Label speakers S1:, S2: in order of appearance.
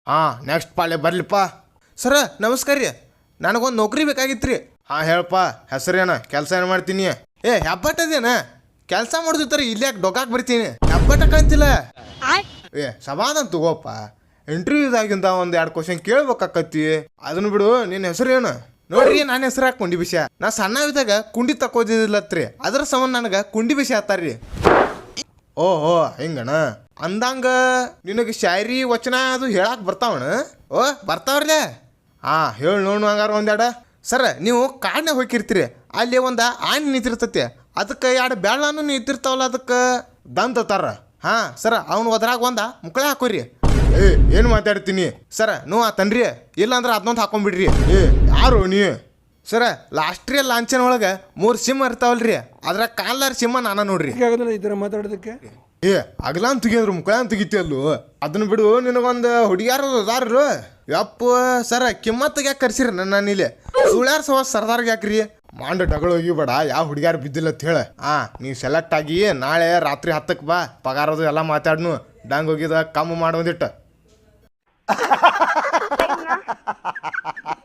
S1: ಹಾಂ ನೆಕ್ಸ್ಟ್ ಪಾಳೆ ಬರ್ಲಿಪ್ಪ. ಸರ ನಮಸ್ಕಾರ ರೀ, ನನಗೊಂದು ನೌಕರಿ ಬೇಕಾಗಿತ್ತು ರೀ. ಹಾಂ ಹೇಳಪ್ಪ, ಹೆಸರೇನ, ಕೆಲಸ ಏನು ಮಾಡ್ತೀನಿ? ಹೆಬ್ಬಟ್ಟದೇನ ಕೆಲಸ ಮಾಡಿದ್ರೆ ಇಲ್ಲಿ ಯಾಕೆ ಡೊಕಾಕ್ ಬರ್ತೀನಿ? ಹೆಬ್ಬಟ್ಟ ಕಾಣ್ತಿಲ್ಲ. ಸಮಾಧಾನ ತಗೋಪ್ಪ, ಇಂಟರ್ವ್ಯೂದಾಗಿಂದ ಒಂದು 2 ಕ್ವಶನ್ ಕೇಳ್ಬೇಕಾಕತ್ತಿ. ಅದನ್ನು ಬಿಡು, ನಿನ್ನ ಹೆಸರೇನು? ನೋಡ್ರಿ, ನನ್ನ ಹೆಸರು ಹಾಕಿ ಕುಂಡಿ ಬಿಸಿ. ನಾ ಸಣ್ಣವಿದ್ದಾಗ ಕುಂಡಿ ತಕೋದಿಲ್ಲತ್ರಿ, ಅದ್ರ ಸಂಬಂಧ ನನಗೆ ಕುಂಡಿ ಬಿಸಿ ಆತಾರ್ರಿ. ಓಹೋ ಹಿಂಗಣ ಅಂದಂಗ ನಿನಗೆ ಶಾಯರಿ ವಚನ ಅದು ಹೇಳಕ್ಕೆ ಬರ್ತಾವಣ? ಓ ಬರ್ತಾವ್ರಲ್ಲೇ. ಹಾಂ ಹೇಳಿ ನೋಡು ಹಂಗಾರ ಒಂದೆರಡು. ಸರ ನೀವು ಕಾಡನ್ಯಾಗ ಹೋಗಿರ್ತೀರಿ, ಅಲ್ಲಿ ಒಂದು ಆನೆ ನಿಂತಿರ್ತೈತಿ, ಅದಕ್ಕೆ 2 ಬೆಳ್ಳನೂ ನಿಂತಿರ್ತಾವಲ್ಲ, ಅದಕ್ಕೆ ದಂತತಾರ. ಹಾಂ ಸರ, ಅವ್ನು ಒದ್ರಾಗ ಒಂದು ಮುಕ್ಕಳೆ ಹಾಕೋರಿ. ಏನು ಮಾತಾಡ್ತೀನಿ ಸರ, ನೀವು ಆತನ್ರಿ, ಇಲ್ಲಾಂದ್ರೆ ಅದನ್ನೊಂದು ಹಾಕೊಂಡ್ಬಿಡ್ರಿ. ಯಾರು ನೀ? ಸರ, ಲಾಸ್ಟ್ರಿಯಲ್ ಲಾಂಛನ ಒಳಗೆ 3 ಸಿಂಹ ಇರ್ತಾವಲ್ರಿ, ಅದ್ರ ಕಾಲಾರ ಸಿಂಹ ನಾನ ನೋಡ್ರಿ.
S2: ಈ ಥರ ಮಾತಾಡೋದಕ್ಕೆ
S1: ಅಗಲ ಅಂತ ತೆಗಿದ್ರು, ಮುಕ್ಕಳ ಅಂತ ತೆಗಿತಿ ಅಲ್ಲೂ. ಅದನ್ನ ಬಿಡು, ನಿನಗೊಂದು ಹುಡುಗ್ಯಾರ ಅದಾರು. ಯಪ್ಪ ಸರ, ಕಿಮ್ಮತ್ತಿಗೆ ಯಾಕೆ ಕರ್ಸಿರಿ ನನ್ನ ಇಲ್ಲಿ? ಸುಳ್ಯಾರ ಸರ್ದಾರ್ಗೆ ಯಾಕ್ರಿ? ಮಾಂಡ ಡಗಳು ಹೋಗಿಬೇಡ, ಯಾವ ಹುಡುಗ್ಯಾರ ಬಿದ್ದಿಲ್ಲ ಅಂತ ಹೇಳ. ನೀ ಸೆಲೆಕ್ಟ್ ಆಗಿ ನಾಳೆ ರಾತ್ರಿ 10ಕ್ಕೆ ಬಾ, ಪಗಾರದು ಎಲ್ಲ ಮಾತಾಡ್ನು. ಡಂಗ್ ಹೋಗಿದ ಕಮ್ಮಿ ಮಾಡೋದಿಟ್ಟ.